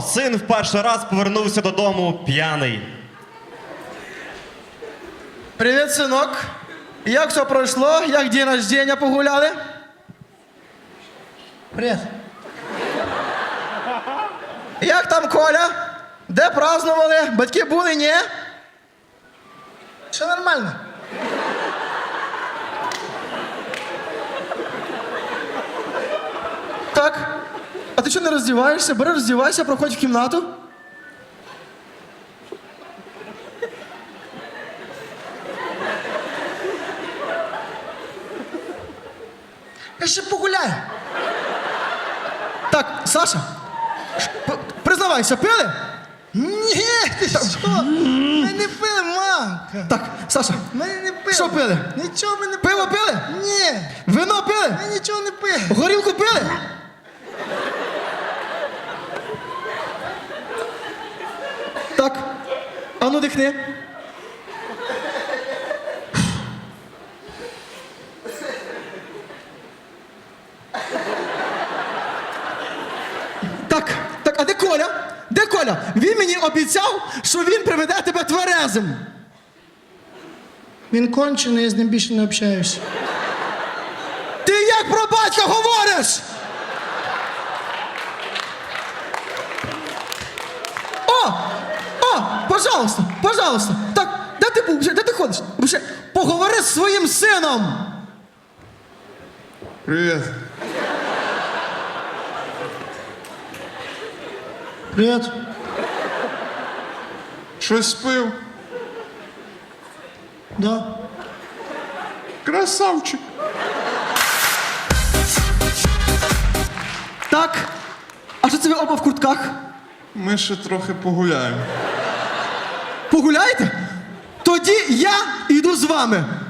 Павло, син в перший раз повернувся додому п'яний. Привіт, синок. Як все пройшло? Як день рождения погуляли? Привіт. Як там Коля? Де празднували? Батьки були, ні? Все нормально. Так. А ти що не роздіваєшся? Бери, роздівайся, проходь в кімнату. Я ще погуляю. Так, Саша, признавайся, пили? Ні, ти що? Ми не пили, мамка. Так, Саша, Ми не пили. що пили? Нічого ми не пили. Пиво пили? Ні, Вино пили? ми нічого не пили. Горілку пили? Так, а ну дихни. Так, а де Коля? Де Коля? Він мені обіцяв, що він приведе тебе тверезим. Він кончений, я з ним більше не общаюсь. Ти як про батька говориш? О, пожалуйста. Так, де ти був? Де ти ходиш? Вже поговори з своїм сином. Привіт. Привіт. Щось спив? Да. Красавчик. Так, а що це ви оба в куртках? Ми ще трохи погуляємо. Погуляєте? Тоді я йду з вами.